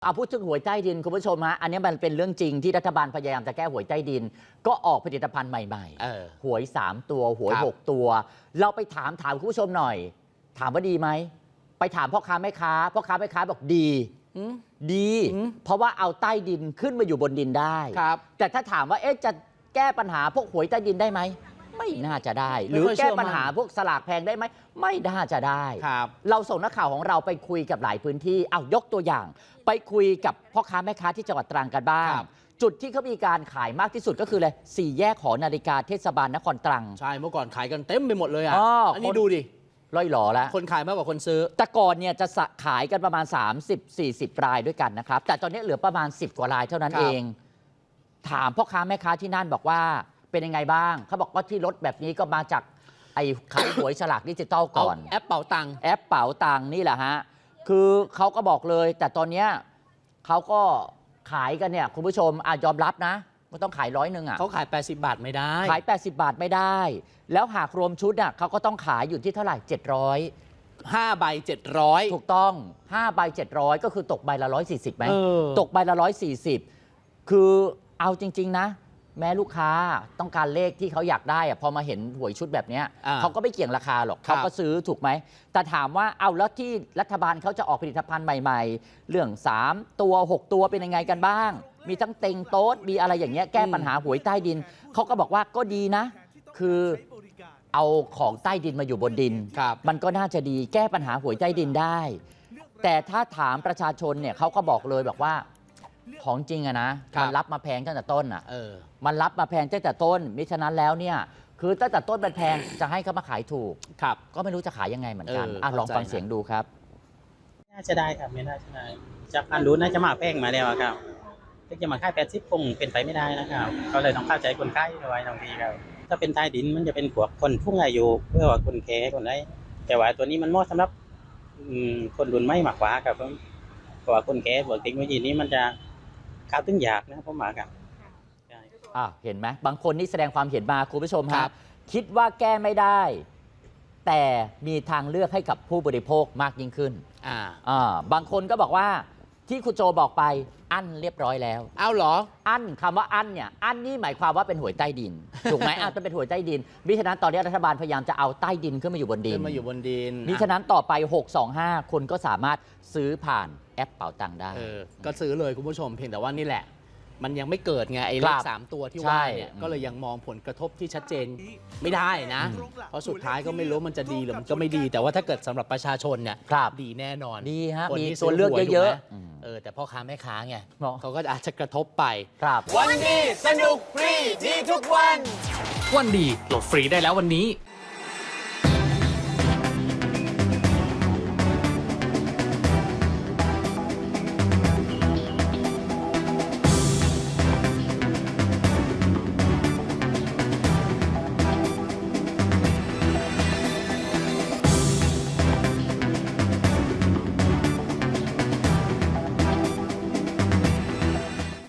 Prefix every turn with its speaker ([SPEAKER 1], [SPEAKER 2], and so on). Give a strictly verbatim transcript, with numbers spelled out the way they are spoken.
[SPEAKER 1] เอาพูดถึงหวยใต้ดินคุณผู้ชมฮะอันนี้มันเป็นเรื่องจริงที่รัฐบาลพยายามจะแก้หวยใต้ดินก็ออกผลิตภัณฑ์ใหม่ๆหวยสามตัวหวยหกตัวเราไปถามถามคุณผู้ชมหน่อยถามว่าดีไหมไปถามพ่อค้าแม่ค้าพ่อค้าแม่ค้าบอกดีดีเพราะว่าเอาใต้ดินขึ้นมาอยู่บนดินได้แต่ถ้าถามว่าเอ๊ะจะแก้ปัญหาพวกหวยใต้ดินได้ไหมไม่น่าจะได้หรือแก้ปัญหาพวกสลากแพงได้ไหมไม่น่าจะได้เราส่งนักข่าวของเราไปคุยกับหลายพื้นที่เอายกตัวอย่างไปคุยกับพ่อค้าแม่ค้าที่จังหวัดตรังกันบ้างจุดที่เขามีการขายมากที่สุดก็คือเลยสี่แยกหอนาฬิกาเทศบาลนครตรัง
[SPEAKER 2] ใช่เมื่อก่อนขายกันเต็มไปหมดเลยอ่ะอันนี้ดูดิ
[SPEAKER 1] ร่อยหล่อแล้ว
[SPEAKER 2] คนขายมากกว่าคนซื้อ
[SPEAKER 1] แต่ก่อนเนี่ยจะขายกันประมาณ สามสิบสี่สิบ รายด้วยกันนะครับแต่ตอนนี้เหลือประมาณสิบกว่ารายเท่านั้นเองถามพ่อค้าแม่ค้าที่นั่นบอกว่าเป็นยังไงบ้างเขาบอกว่าที่รถแบบนี้ก็มาจากไอ้ขายหวยฉลากดิจิตอลก่อน
[SPEAKER 2] แอปเป๋าตัง
[SPEAKER 1] แอปเป๋าตังนี่แหละฮะคือเขาก็บอกเลยแต่ตอนเนี้ยเขาก็ขายกันเนี่ยคุณผู้ชมอ่ะยอมรับนะก็ต้องขายร้อยหนึ่งอ่ะ
[SPEAKER 2] เขาขายแปดสิบบาทไม่ได้
[SPEAKER 1] ขายแปดสิบบาทไม่ได้แล้วหากรวมชุดอ่ะเขาก็ต้องขายอยู่ที่เท่าไหร่เจ็ดร้อย
[SPEAKER 2] ห้าใบเจ็ดร้อย
[SPEAKER 1] ถูกต้องห้าใบเจ็ดร้อยก็คือตกใบละร้อยสี่สิบไหมตกใบละร้อยสี่สิบคือเอาจริงๆนะแม้ลูกค้าต้องการเลขที่เขาอยากได้อะพอมาเห็นหวยชุดแบบนี้เขาก็ไม่เกี่ยงราคาหรอกเขาก็ซื้อถูกไหมแต่ถามว่าเอาแล้วที่รัฐบาลเขาจะออกผลิตภัณฑ์ใหม่ๆเรื่องสามตัวหกตัวเป็นยังไงกันบ้างมีทั้งเต็งโต๊ดมีอะไรอย่างเงี้ยแก้ปัญหาหวยใต้ดินเขาก็บอกว่าก็ดีนะคือเอาของใต้ดินมาอยู่บนดินมันก็น่าจะดีแก้ปัญหาหวยใต้ดินได้แต่ถ้าถามประชาชนเนี่ยเขาก็บอกเลยบอกว่าของจริงอะนะมันรับมาแพงตั้งแต่ต้นอะมันรับมาแพงตั้งแต่ต้นมิฉะนั้นแล้วเนี่ยคือตั้งแต่ต้นมันแพงจะให้เขามาขายถูก
[SPEAKER 2] ครับ
[SPEAKER 1] ก็ไม่รู้จะขายยังไงเหมือนกันอ่ะลองฟังเสียงดูครับ
[SPEAKER 3] น่าจะได้ครับไม่น่าจะได้จากการรู้น่าจะมาแพงมาแล้วครับจะมาค่ายแปดสิบคงเป็นไปไม่ได้นะครับก็เลยต้องเข้าใจคนไข้ไว้บางทีครับถ้าเป็นใต้ดินมันจะเป็นพวกคนผู้อายุเพื่อว่าคนแก่คนได้แต่ว่าตัวนี้มันเหมาะสำหรับคนรุ่นใหม่มากกว่าครับเพราะว่าคนแก่พวกเทคโนโลยีนี้มันจะก้าวถึงยากนะผมหมายครับ
[SPEAKER 1] อ่ะเห็นไหมบางคนนี่แสดงความเห็นมาคุณผู้ชมครับคิดว่าแก้ไม่ได้แต่มีทางเลือกให้กับผู้บริโภคมากยิ่งขึ้นอ่าอ่าบางคนก็บอกว่าที่คุณโจบอกไปอั้นเรียบร้อยแล้ว
[SPEAKER 2] เอาเหรอ
[SPEAKER 1] อั้นคำว่าอั้นเนี่ยอั้นนี่หมายความว่าเป็นหวยใต้ดินถูกไหมอาจจะเป็นหวยใต้ดินมิฉะนั้นตอนนี้รัฐบาลพยายามจะเอาใต้ดินขึ้นมาอยู่บนดิน
[SPEAKER 2] ขึ้นมาอยู่บนดิน
[SPEAKER 1] มิฉะนั้นต่อไปหกสองห้าคนก็สามารถซื้อผ่านแอปเป๋าตังค์ได้
[SPEAKER 2] ก็ซื้อเลยคุณผู้ชมเพียงแต่ว่านี่แหละมันยังไม่เกิดไงไอ้เลขสามตัวที่ว่าเนี่ยก็เลยยังมองผลกระทบที่ชัดเจนไม่ได้นะเพราะสุดท้ายก็ไม่รู้มันจะดีหรือมันก็ไม่ดีแต่ว่าถ้าเกิดสำหรับประชาชนเนี่ยดีแน่นอน
[SPEAKER 1] ดีฮะมีตัวเลือกเยอะ
[SPEAKER 2] ๆเออแต่พ่อค้าแม่ค้าไงเขาก็อาจจะกระทบไป
[SPEAKER 1] ครับ
[SPEAKER 2] วันดีสนุกฟรีดีทุกวันวันดีโหลดฟรีได้แล้ววันนี้